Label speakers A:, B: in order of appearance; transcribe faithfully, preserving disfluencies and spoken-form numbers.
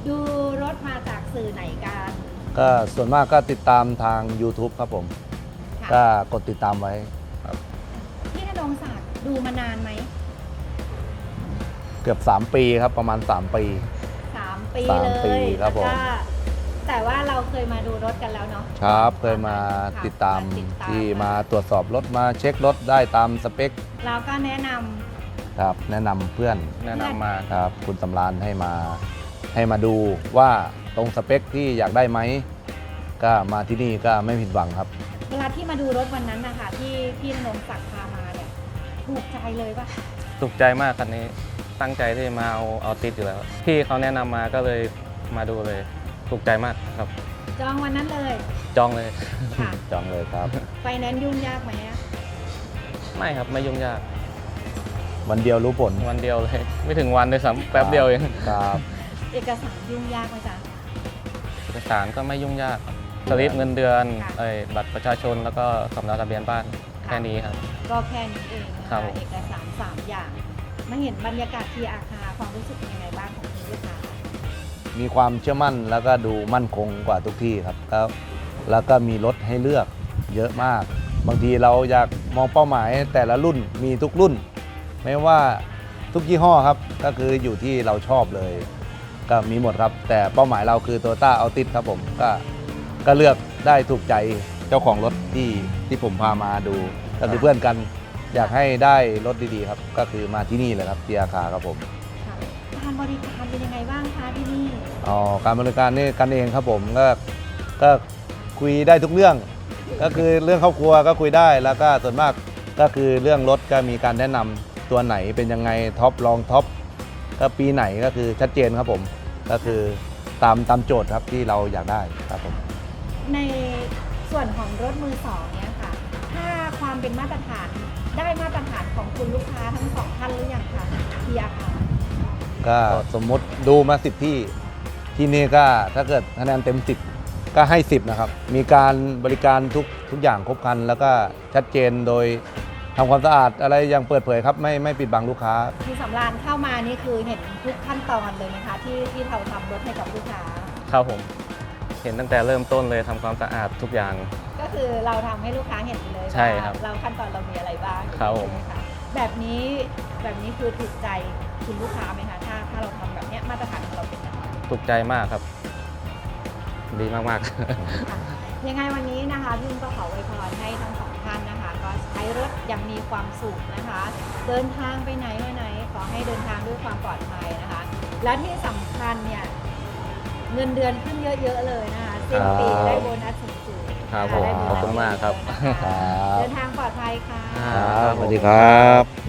A: ดูรถมาจากสื่อไหนกัน
B: ก็ส่วนมากก็ติดตามทาง ยูทูบ ครับผม
A: ค่ะ
B: ก็กดติดตามไว้ครับ
A: พี่ณรงค์ศักดิ์ดูมานานไหม
B: เกือบสามปีครับประมาณสามปี
A: สามปี
B: สาม
A: เล
B: ปี
A: ย
B: ครับผม
A: แล้วก็แต่ว่าเราเคยมาดูรถกันแล้วเนาะ
B: ครับเคยมา
A: ค่ะ
B: ติดตาม
A: ติดตาม
B: ที่มาตรวจสอบรถมาเช็ครถได้ตามสเปค
A: เราก็แนะนำ
B: ครับแนะนำเพื่อน
C: แนะนำมา
B: ครับคุณสำรานให้มาให้มาดูว่าตรงสเปคที่อยากได้ไหมก็มาที่นี่ก็ไม่ผิดหวังครับ
A: เวลาที่มาดูรถวันนั้นนะคะที่พี่ณรงค์ศักดิ์พามาเนี่ยถูกใจเลยปะ
C: ถูกใจมากคันนี้ตั้งใจที่มาเอาเอาติดอยู่แล้ว พี่เขาแนะนำมาก็เลยมาดูเลย ถูกใจมากครับ
A: จองวันนั้นเลย
C: จองเลย
A: ค่ะ
B: จองเลยครับ
A: ไฟแนนซ์ยุ่งยากไหมอะ
C: ไม่ครับไม่ยุ่งยาก
B: วันเดียวรู้ผล
C: วันเดียวเลย ไม่ถึงวันเลยซ้ำแป๊บเดียวเอง
B: ครับ
A: เอกสารยุ่งยากไหมจ๊ะ
C: เอกสารก็ไม่ยุ่งยากครับสลิปเงินเดือน
A: ค่ะ
C: เอ้ยบัตรประชาชนแล้วก็สำเนาทะเบียนบ้านแค่นี้ครับ
A: ก็แค่นี้เองนะ
C: ครั
A: คะ
C: บผม
A: เอกสารสามอย่างมาเห็นบรรยากาศที่อาคารความรู้สึกเป็นยังไงบ้างของคุณลูกค้า
B: มีความเชื่อมั่นแล้วก็ดูมั่นคงกว่าทุกที่ครับแล้วแล้วก็มีรถให้เลือกเยอะมาก บางทีเราอยากมองเป้าหมายแต่ละรุ่นมีทุกรุ่น ไม่ว่าทุกยี่ห้อครับก็คืออยู่ที่เราชอบเลย ก็มีหมดครับ แต่เป้าหมายเราคือ Toyota Altis ครับผมก็ก็เลือกได้ถูกใจเจ้าของรถที่ที่ผมพามาดูก็คือเพื่อนกันอยากให้ได้รถดีๆครับก็คือมาที่นี่เลยครับที่อาคาครับผม
A: ค่ะการบริการเป็นยังไงบ้างคะที่นี่
B: อ๋อการบริการนี่กันเองครับผมก็ก็คุยได้ทุกเรื่อง ก็คือเรื่องครอบครัวก็คุยได้แล้วก็ส่วนมากก็คือเรื่องรถก็มีการแนะนำตัวไหนเป็นยังไงท็อปรองท็อปก็ปีไหนก็คือชัดเจนครับผมก็คือตามตามโจทย์ครับที่เราอยากได้ครับผม
A: ในส่วนของรถมือสองเนี่ยค่ะ ถ้าความเป็นมาตรฐานได้มาตรฐานของคุณลูกค้าทั้งสองท่านหรือยังคะที่อาคาร
B: ก็สมมติดูมาสิบที่ที่นี่ก็ถ้าเกิดคะแนนเต็มสิบก็ให้สิบนะครับมีการบริการทุกทุกอย่างครบครัน แล้วก็ชัดเจนโดยทำความสะอาดอะไรอย่างเปิดเผยครับไม่ไม่ปิดบังลูกค้า
A: คือสำรานเข้ามานี่คือเห็นทุกขั้นตอนเลยนะคะที่ที่เราทำรถให้กับลูกค้า
C: ครับผม เห็นตั้งแต่เริ่มต้นเลยทำความสะอาดทุกอย่าง
A: ก็คือเราทำให้ลูกค้าเห็นเลย
C: ใช่ครับ
A: ว่าเราขั้นตอนเรามีอะไรบ้าง
C: ครับผม
A: ใช่ไหมคะแบบนี้แบบนี้คือถูกใจคุณลูกค้าไหมคะถ้าถ้าเราทำแบบเนี้ยมาตรฐานของเราเป็นแบบนี้
C: ถูกใจมากครับ ดีมากๆ
A: ค่ะยังไงวันนี้นะคะพี่ก็ขออวยพรให้ทั้งสองท่านนะคะ ก็ใช้รถอย่างมีความสุขนะคะ เดินทางไปไหนมาไหนขอให้เดินทางด้วยความปลอดภัยนะคะ และที่สำคัญเนี่ยเงินเดือนขึ้นเยอะๆเลยนะคะสิ้นปีได้โบนัสสูงๆ
C: ครับ
A: นะะ
C: ผม
A: ได้โนัส
C: ขอบคุณมากครับ
A: เยอะๆนะคะ
B: ครับ
A: เดินทางปลอดภัยค่ะ
C: ครับ
B: สวัสดีครับ